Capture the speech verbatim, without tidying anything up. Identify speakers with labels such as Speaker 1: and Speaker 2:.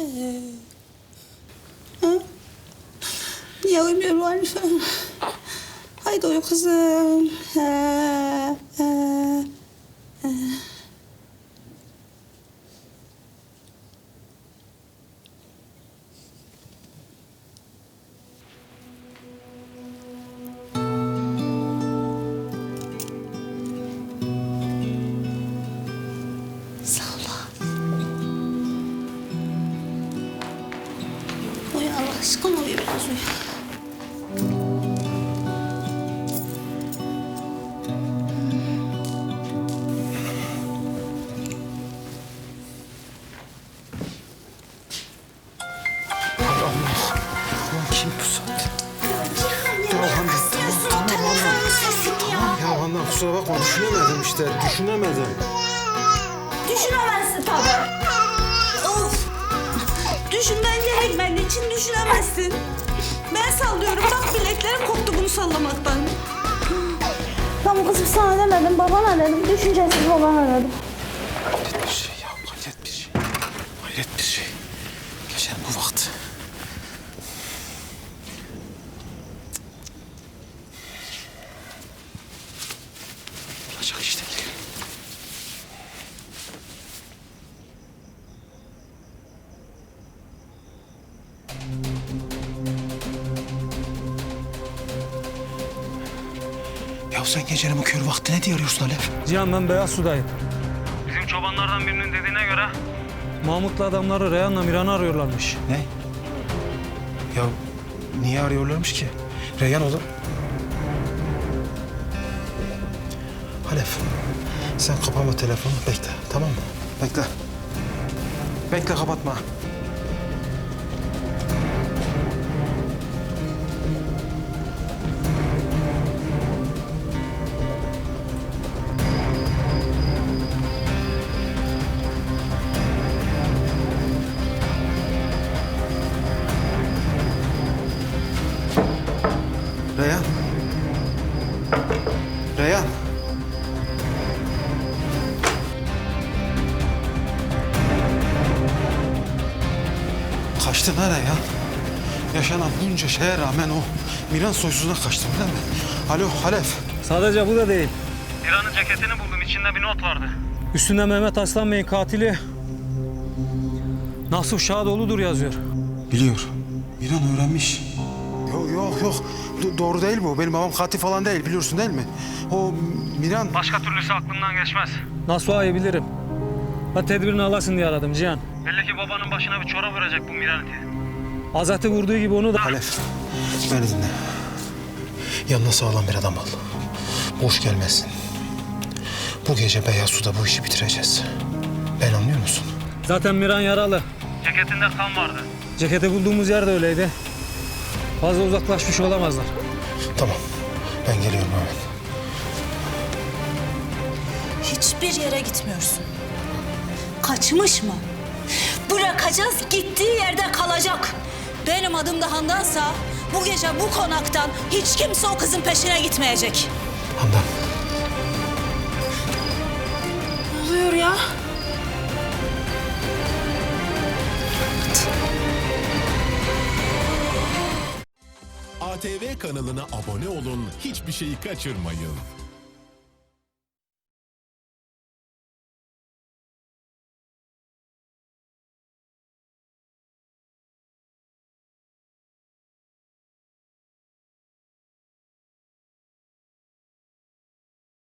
Speaker 1: Ha? Niye uyumuyor bu Hanife? Haydi uyu kızım. Ha, ha, ha. Sağ ol. Uyu Allah aşkına uyu biraz uyu.
Speaker 2: Kim bu saatte? Ya Handan, tamam, tamam Handan. Tamam ya Handan, kusura bakma, düşünemedim işte, düşünemedim.
Speaker 1: Düşünemezsin tabii. Of! Düşünmen gerekmediği için düşünemezsin. Ben sallıyorum. Bak bileklerim koptu bunu sallamaktan. Tamam kızım sana demedim, babana dedim. Düşüncesiz babana dedim.
Speaker 2: Hayret bir şey ya, hayret bir şey. Hayret bir şey. Gecenin bu vakti. Olacak işte değil. Ya sen gecenin bu kör vakti ne diye arıyorsun Alev?
Speaker 3: Cihan ben Beyaz Su'dayım.
Speaker 4: Bizim çobanlardan birinin dediğine göre
Speaker 3: Mahmut'la adamları Reyhan'la Miran'ı arıyorlarmış.
Speaker 2: Ne? Ya niye arıyorlarmış ki? Reyhan oğlum. Halef, sen kapama telefonu, bekle, tamam mı? Bekle. Bekle, kapatma. Reyhan. Reyhan. Kaçtın ha Reyhan. Yaşanan bunca şeye rağmen o Miran soysuzuna kaçtın değil mi? Alo Halef.
Speaker 3: Sadece bu da değil.
Speaker 4: İran'ın ceketini buldum. İçinde bir not vardı.
Speaker 3: Üstünde Mehmet Aslan Bey'in katili Nasuh Şadoğlu'dur yazıyor.
Speaker 2: Biliyor. Miran öğrenmiş. Yok yok yok. Do- doğru değil bu. Benim babam katil falan değil, biliyorsun değil mi? O Miran...
Speaker 4: Başka türlüsü aklımdan geçmez.
Speaker 3: Nasuh'u bilirim. Ben tedbirini alasın diye aradım Cihan.
Speaker 4: Belli ki babanın başına bir çorap örecek bu Miran'ı.
Speaker 3: Azat'ı vurduğu gibi onu da...
Speaker 2: Halef, beni dinle. Yanına sağlam bir adam al. Boş gelmesin. Bu gece Beyaz Su'da bu işi bitireceğiz. Ben anlıyor musun?
Speaker 3: Zaten Miran yaralı.
Speaker 4: Ceketinde kan vardı.
Speaker 3: Ceketi bulduğumuz yer de öyleydi. Fazla uzaklaşmış olamazlar.
Speaker 2: Tamam, ben geliyorum hemen.
Speaker 1: Hiçbir yere gitmiyorsun. Kaçmış mı? Bırakacağız, gittiği yerde kalacak. Benim adım da Handan'sa bu gece bu konaktan hiç kimse o kızın peşine gitmeyecek.
Speaker 2: Handan.
Speaker 1: Ne oluyor ya?
Speaker 5: A T V kanalına abone olun, hiçbir şeyi kaçırmayın.